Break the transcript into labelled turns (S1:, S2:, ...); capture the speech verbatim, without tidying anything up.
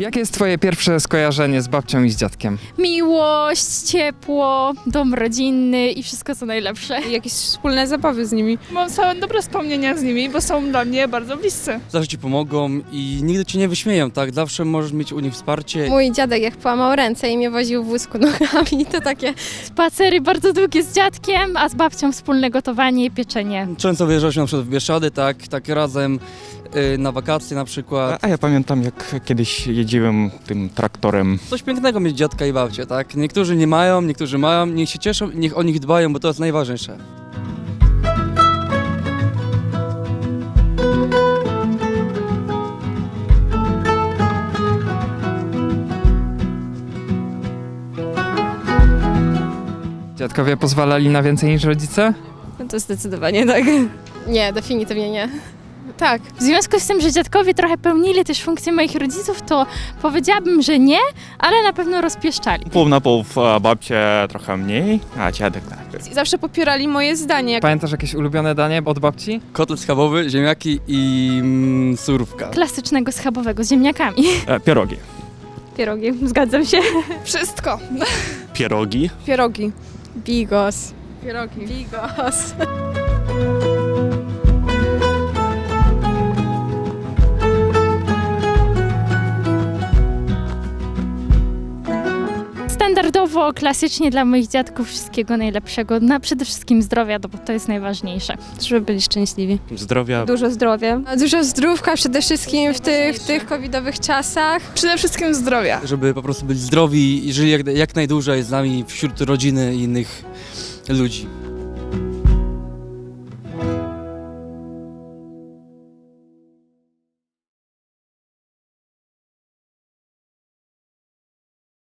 S1: Jakie jest twoje pierwsze skojarzenie z babcią i z dziadkiem?
S2: Miłość, ciepło, dom rodzinny i wszystko co najlepsze.
S3: Jakieś wspólne zabawy z nimi.
S4: Mam same dobre wspomnienia z nimi, bo są dla mnie bardzo bliscy.
S5: Zawsze ci pomogą i nigdy cię nie wyśmieją, tak? Zawsze możesz mieć u nich wsparcie.
S6: Mój dziadek jak połamał ręce i mnie woził w wózku nogami, to takie...
S2: Spacery bardzo długie z dziadkiem, a z babcią wspólne gotowanie i pieczenie.
S5: Często wyjeżdżaliśmy na przykład w Bieszczady, tak? Tak razem y, na wakacje na przykład.
S7: A ja pamiętam, jak kiedyś jeździłem tym traktorem.
S5: Coś pięknego mieć dziadka i babcię, tak? Niektórzy nie mają, niektórzy mają, niech się cieszą, niech o nich dbają, bo to jest najważniejsze.
S1: Dziadkowie pozwalali na więcej niż rodzice?
S3: No to zdecydowanie tak.
S6: Nie, definitywnie nie.
S3: Tak.
S2: W związku z tym, że dziadkowie trochę pełnili też funkcję moich rodziców, to powiedziałabym, że nie, ale na pewno rozpieszczali.
S7: Pół na pół, a babcia trochę mniej, a dziadek tak.
S3: Zawsze popierali moje zdanie.
S1: Pamiętasz jakieś ulubione danie od babci?
S5: Kotlet schabowy, ziemniaki i mm, surówka.
S2: Klasycznego schabowego z ziemniakami.
S7: E, pierogi.
S2: Pierogi, zgadzam się.
S4: Wszystko.
S7: Pierogi.
S3: Pierogi.
S6: Bigos.
S3: Pierogi.
S6: Bigos.
S2: Standardowo, klasycznie dla moich dziadków wszystkiego najlepszego. Na przede wszystkim zdrowia, bo to jest najważniejsze.
S3: Żeby byli szczęśliwi.
S7: Zdrowia.
S3: Dużo zdrowia.
S6: Dużo zdrówka przede wszystkim w tych, w tych covidowych czasach.
S4: Przede wszystkim zdrowia.
S5: Żeby po prostu być zdrowi i żyli jak, jak najdłużej z nami wśród rodziny i innych ludzi.